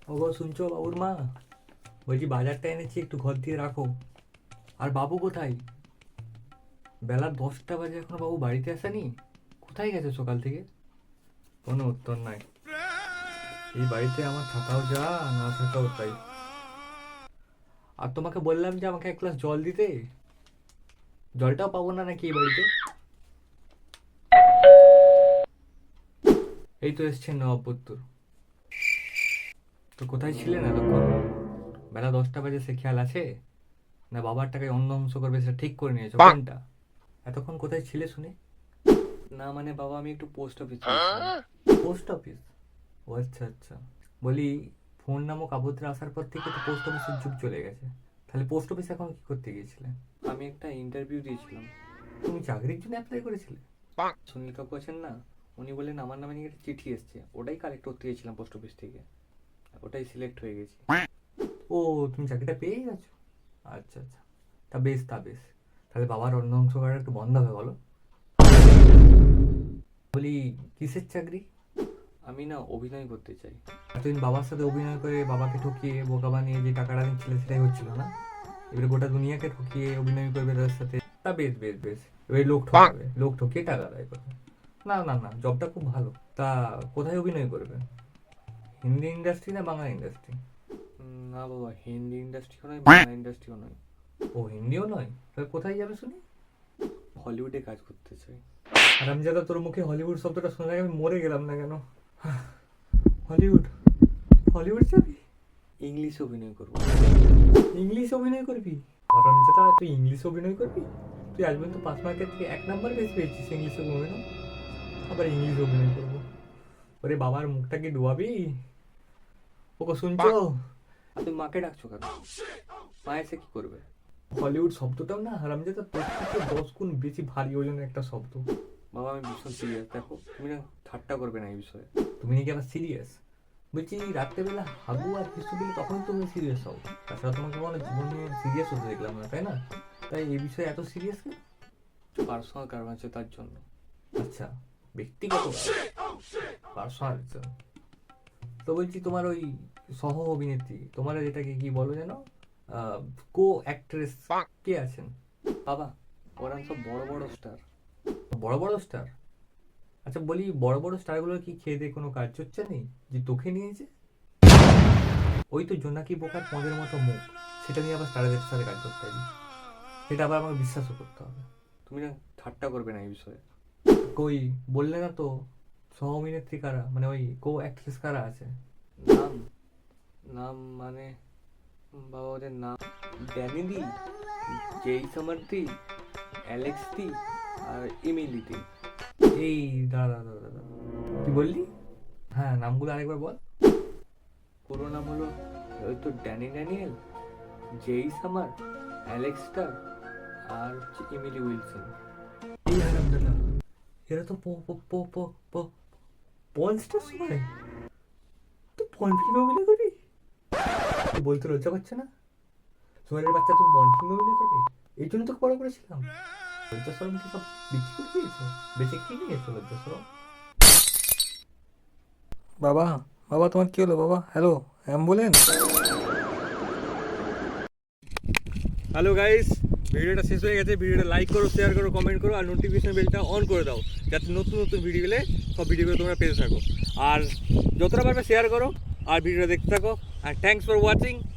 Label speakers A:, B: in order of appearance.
A: ওগো শুনছো বাবুর মা? বলছি বাজারটা এনেছি, একটু ঘর দিয়ে রাখো। আর বাবু কোথায়? বেলা 10টা বাজে এখনো বাবু বাড়িতে আসেনি? কোথায় গেছে সকাল থেকে? কোনো উত্তর নাই। এই বাড়িতে আমার থাকাও যা, না থাকাও তাই। আর তোমাকে বললাম যে আমাকে এক গ্লাস জল দিতে, জলটাও পাবো না নাকি এই বাড়িতে? এই তো এসছেন নবাবপুত্তর। তো কোথায় ছিলেন এতক্ষণ? বেলা 10টা বাজে সে খেয়াল আছে? না বাবার টাকায় অন্য অংশ করবে সেটা ঠিক করে নিয়েছো কোনটা? এতক্ষণ কোথায় ছিলে শুনে? না মানে বাবা আমি একটু পোস্ট অফিস গিয়েছিলাম। Post office? ও আচ্ছা আচ্ছা। বলি, ফোন নামক আবদ্রে আসার পর থেকে তো পোস্ট অফিসের যুগ চলে গেছে। তাহলে পোস্ট অফিসে এখন কি করতে গিয়েছিলে? আমি একটা ইন্টারভিউ দিয়েছিলাম। তুমি চাকরির জন্য অ্যাপ্লাই করেছিলে? সুনীল কাকু আছেন না, উনি বললেন আমার নামে নাকি একটা চিঠি এসছে, ওটাই কালেক্ট করতে গেছিলাম পোস্ট অফিস থেকে। ওটাই সিলেক্ট হয়ে গেছি। ও, তুমি চাকরিটা পেয়ে গেছো? আচ্ছা আচ্ছা। তা বেশ। তাহলে বাবার অন্য অংশ করাটা একটু বন্ধ হবে বলো। বলি, কিসের চাকরি? আমি না অভিনয় করতে চাই। এতদিন বাবার সাথে অভিনয় করে বাবাকে ঠকিয়ে বোকা বানিয়ে যে টাকাটা নিচ্ছিলে সেটাই হচ্ছিল না? এবারে গোটা দুনিয়াকে ঠকিয়ে অভিনয় করবে তাদের সাথে। তা বেশ। এবারে লোক ঠকাবে, লোক ঠকিয়ে টাকা আদায় করবে। না, জবটা খুব ভালো। তা কোথায় অভিনয় করবে? হিন্দি ইন্ডাস্ট্রি না বাংলা ইন্ডাস্ট্রি? না বাবা, হিন্দি ইন্ডাস্ট্রিও নয়, বাংলা ইন্ডাস্ট্রিও নয়। ও, হিন্দিও নয়? তাহলে কোথায় যাবে শুনি? হলিউডে কাজ করতে চাই। হারামজাদা, তোর মুখে হলিউড শব্দটা শুনে আমি মরে গেলাম না কেন? হলিউড? হলিউড যাবি? ইংলিশ অভিনয় করবো। ইংলিশ অভিনয় করবি? হারামজাদা, তুই ইংলিশ অভিনয় করবি? তুই আজ পর্যন্ত 5 মার্কের থেকে 1 নাম্বার বেশি পেয়েছিস ইংলিশ অভিনয়, আবার ইংলিশ অভিনয় করবো? ওরে বাবার মুখটা কি ডুবাবি? ওকে শুনছো? আর তুমি মাকে ডাকছো কেন? মা এসে কি করবে? হলিউড শব্দটাও না হারামজাদা তোর থেকে 10 গুণ বেশি ভারী ওজনের একটা শব্দ। বাবা আমি ভীষণ সিরিয়াস, দেখো তুমি না ঠাট্টা করবে না এই বিষয়ে। তুমি নাকি আবার সিরিয়াস? বলছি রাত্রেবেলা হাগু আর কিছু দিলে তখন তুমি সিরিয়াস হও। তাছাড়া তোমাকে কোনো জীবন নিয়ে সিরিয়াস হতে দেখলাম না, তাই না? তাই এই বিষয়ে এত সিরিয়াস কেন? পার্সোনাল কারণ আছে তার জন্য। আচ্ছা, ব্যক্তিগত পার্সোনাল। তো বলছি তোমার ওই সহ অভিনেত্রী, তোমার এটাকে কি বলো যেন, কো অ্যাক্ট্রেস কে আছেন? বাবা ওরা সব বড় বড় স্টার। বড় বড় স্টার? আচ্ছা বলি, বড় বড় স্টারগুলোর কি খেয়ে দিয়ে কোনো কাজ হচ্ছে নেই যে তোকে নিয়েছে? ওই তো জোনাকি বোকার পদের মতো মুখ, সেটা নিয়ে আবার স্টারদের সাথে কাজ করতে হবে, সেটা আবার আমাকে বিশ্বাসও করতে হবে। তুমি না ঠাট্টা করবে না এই বিষয়ে। কই বললে না তো সহ অভিনেত্রী কারা, মানে ওই কো অ্যাক্ট্রেস কারা আছে? নাম? নাম মানে বাবা ওদের নাম ড্যানি দি, জেই সামার দি, অ্যালেক্স দি, আর ইমিলি দি। এই দাদা কি বললি? হ্যাঁ নামগুলো আরেকবার বল। পুরো নাম হলো ওই তো Danny Daniel, Jay Summer, Alex Star, আর হচ্ছে ইমিলি উইলসন। এই হারামজাদা, এরা তো পঞ্চটার সময় তো পন ফিল্মে অভিনয় করবি? তুই বলতে লজ্জা করছে না? সোহেলের বাচ্চা তুমি পন ফিল্মে অভিনয় করবে? এই জন্য তোকে বড় করেছিলাম। লজ্জা সরম কি সব বিক্রি করে দিয়েছো? বেঁচে কি নিয়েছো লজ্জা সরম? বাবা, বাবা তোমার কি হলো বাবা? Hello, ambulance. হ্যালো গাইস, ভিডিওটা শেষ হয়ে গেছে। ভিডিওটা লাইক করো, শেয়ার করো, কমেন্ট করো, আর নোটিফিকেশন বেলটা অন করে দাও, যাতে নতুন নতুন ভিডিও এলে সব ভিডিওগুলো তোমরা পেতে থাকো। আর যতটা পারবে শেয়ার করো আর ভিডিওটা দেখতে থাকো। আর থ্যাঙ্কস ফর ওয়াচিং।